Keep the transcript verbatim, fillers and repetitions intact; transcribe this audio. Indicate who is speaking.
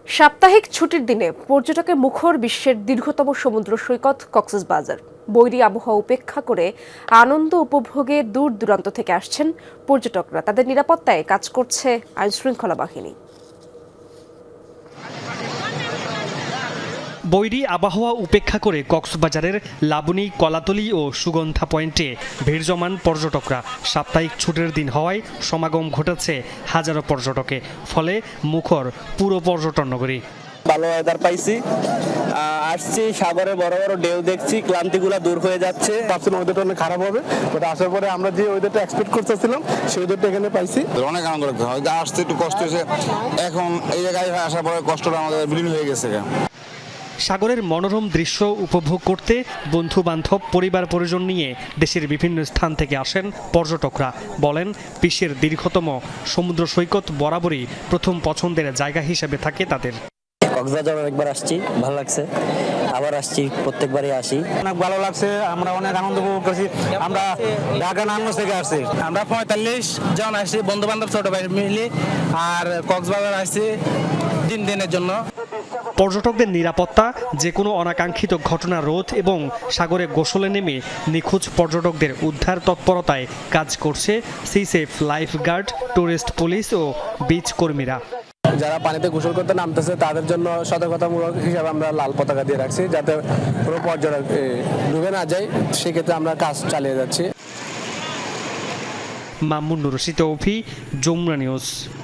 Speaker 1: সাপ্তাহিক ছুটির দিনে পর্যটকের মুখর বিশ্বের দীর্ঘতম সমুদ্র সৈকত কক্সবাজার। বৈরী আবহাওয়া উপেক্ষা করে আনন্দ উপভোগে দূর দূরান্ত থেকে আসছেন পর্যটকরা। তাদের নিরাপত্তায় কাজ করছে আইনশৃঙ্খলা বাহিনী।
Speaker 2: বৈরী আবহাওয়া উপেক্ষা করে কক্সবাজারের লাবণী, কলাতলী ও সুগন্ধা পয়েন্টে ভিড় জমান পর্যটকরা। সাপ্তাহিক ছুটির দিন হওয়ায় সমাগম ঘটেছে হাজারো পর্যটকে, ফলে মুখর পুরো পর্যটন নগরী।
Speaker 3: ভালো ওয়েদার পাইছি, আসছি সাগরে বড় বড় ঢেউ দেখছি, ক্লান্তিগুলা দূর হয়ে যাচ্ছে।
Speaker 4: ভাবছিলাম ওয়েদারটা অনেক খারাপ হবে, বাট আসার পরে আমরা যে ওয়েদারটা এক্সপেক্ট করতেছিলাম সেই ওয়েদারটা এখানে পাইছি।
Speaker 5: অনেক আনন্দ লাগছে, হয়তো আসতে একটু কষ্ট হয়েছে, এখন এই জায়গায় আসার পরে কষ্টটা আমাদের বিলীন হয়ে গেছে।
Speaker 2: সাগরের মনোরম দৃশ্য উপভোগ করতে বন্ধু বান্ধব, পরিবার পরিজন নিয়ে দেশের বিভিন্ন স্থান থেকে আসেন পর্যটকরা। বলেন, বিশ্বের দীর্ঘতম সমুদ্র সৈকত বরাবরই প্রথম পছন্দের জায়গা হিসেবে থাকে তাদের।
Speaker 3: কক্সবাজার অনেকবার আসছি, ভালো লাগছে, আবার আসছি, প্রত্যেকবারই আসি।
Speaker 6: অনেক ভালো লাগছে, আমরা অনেক আনন্দ উপভোগ করছি। আমরা ঢাকা নারায়ণগঞ্জ থেকে আসছি, আমরা পঁয়তাল্লিশ জন আসছি বন্ধু বান্ধব ছোট ভাই মিলে, আর কক্সবাজার আসছি তিন দিনের জন্য।
Speaker 2: পর্যটকদের নিরাপত্তা, যে কোনো অনাকাঙ্ক্ষিত ঘটনা রোধ এবং সাগরে গোসলে নেমে নিখোঁজ পর্যটকদের উদ্ধার তৎপরতায় কাজ করছে sea safe lifeguard, tourist police ও বিচ কর্মীরা।
Speaker 4: যারা পানিতে গোসল করতে নামতেছে তাদের জন্য সতর্কতামূলক হিসাবে আমরা লাল পতাকা দিয়ে রাখছি, যাতে কোনো পর্যটক ডুবে না যায়। সেক্ষেত্রে আমরা কাজ চালিয়ে যাচ্ছি।
Speaker 2: মামুন রশিদ, যমুনা নিউজ।